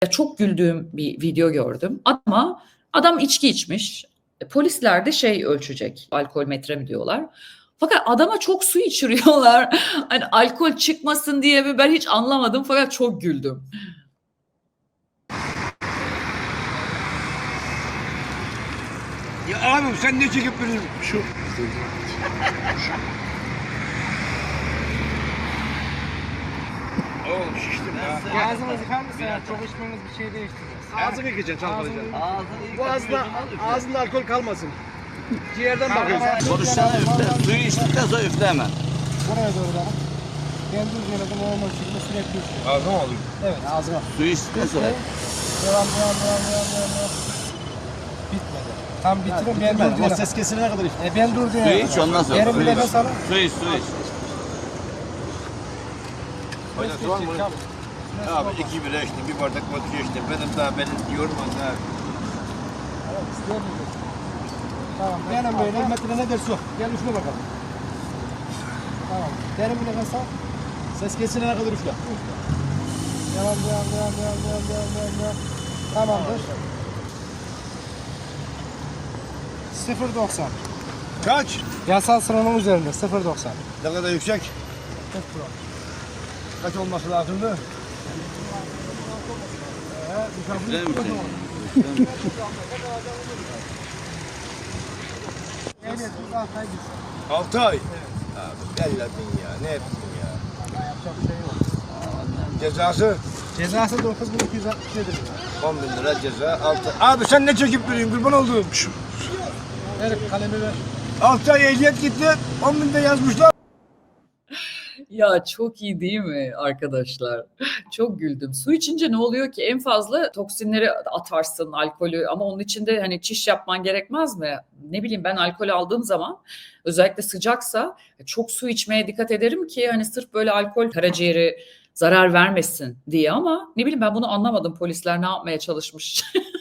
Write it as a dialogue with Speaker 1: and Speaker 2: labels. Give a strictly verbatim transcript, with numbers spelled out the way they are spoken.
Speaker 1: Çok güldüğüm bir video gördüm ama adam içki içmiş. E, polisler de şey ölçecek, alkol metre mi diyorlar. Fakat adama çok su içiriyorlar. Hani alkol çıkmasın diye mi ben hiç anlamadım fakat çok güldüm.
Speaker 2: Ya abi sen ne çekip duruyorsun? Şu. Oğlum şiştim ya.
Speaker 3: Ağzınızı yıkar mısın ya? Çok içmeniz bir şey değiştirmez.
Speaker 2: Ağzını yıkayacaksın çalkalayacaksın.
Speaker 3: Ağzını
Speaker 2: Bu ağzında, ağzında alkol kalmasın. Ciğerden bakıyorsun.
Speaker 4: Konuşsana üfle. Suyu içtikten sonra üfle hemen.
Speaker 3: Buraya doğru bakın. Kendi üzerine normal şekilde sürekli üfleyin.
Speaker 2: Ağzına mı alayım?
Speaker 3: Evet ağzına.
Speaker 4: Suyu içtikten sonra.
Speaker 3: Devam devam devam devam devam. devam. Bitmedi. Tam bitirin ben dur
Speaker 2: Ama
Speaker 3: diyorum.
Speaker 2: ses kesilene kadar işte.
Speaker 3: E ben dur diyorum.
Speaker 4: Suyu iç ondan sonra.
Speaker 3: Derin bir
Speaker 4: Suyu iç.
Speaker 3: nefes alın.
Speaker 4: Su iç, su iç.
Speaker 2: Faydası var mı? Abi iki bira içtim, bir bardak vodka içtim. Benim daha beni yormaz ha.
Speaker 3: Evet isteyemiyorum. Tamam.
Speaker 2: Benim böyle. Metre ne dersi yok. Gel üfle bakalım.
Speaker 3: Tamam. Derin bir nefes al.
Speaker 2: Ses kesilene kadar üfle.
Speaker 3: Devam devam devam devam devam devam devam devam. Tamamdır. sıfır doksan.
Speaker 2: Kaç?
Speaker 3: Yasal sıranın üzerinde sıfır doksan.
Speaker 2: Ne kadar yüksek? Kaç olması lazımdı?
Speaker 4: Üfle mi sen?
Speaker 3: Evet, bu da altı gitsin.
Speaker 2: Altı ay. Abi belledin ya. Ne ettin ya?
Speaker 3: Yapacak bir şey yok.
Speaker 2: Cezası
Speaker 3: Cezası dokuz bin iki yüz altmış yedi lira.
Speaker 2: on bin lira ceza. Altı. Abi sen ne çekip duruyorsun kurban olduğum?
Speaker 3: Ver kalemi ver.
Speaker 2: Altı ay ehliyet gitti. on binde yazmışlar.
Speaker 1: Ya çok iyi değil mi arkadaşlar? Çok güldüm. Su içince ne oluyor ki? En fazla toksinleri atarsın, alkolü, ama onun için de hani çiş yapman gerekmez mi? Ne bileyim, ben alkol aldığım zaman özellikle sıcaksa çok su içmeye dikkat ederim ki hani sırf böyle alkol karaciğeri zarar vermesin diye, ama ne bileyim, ben bunu anlamadım, polisler ne yapmaya çalışmış.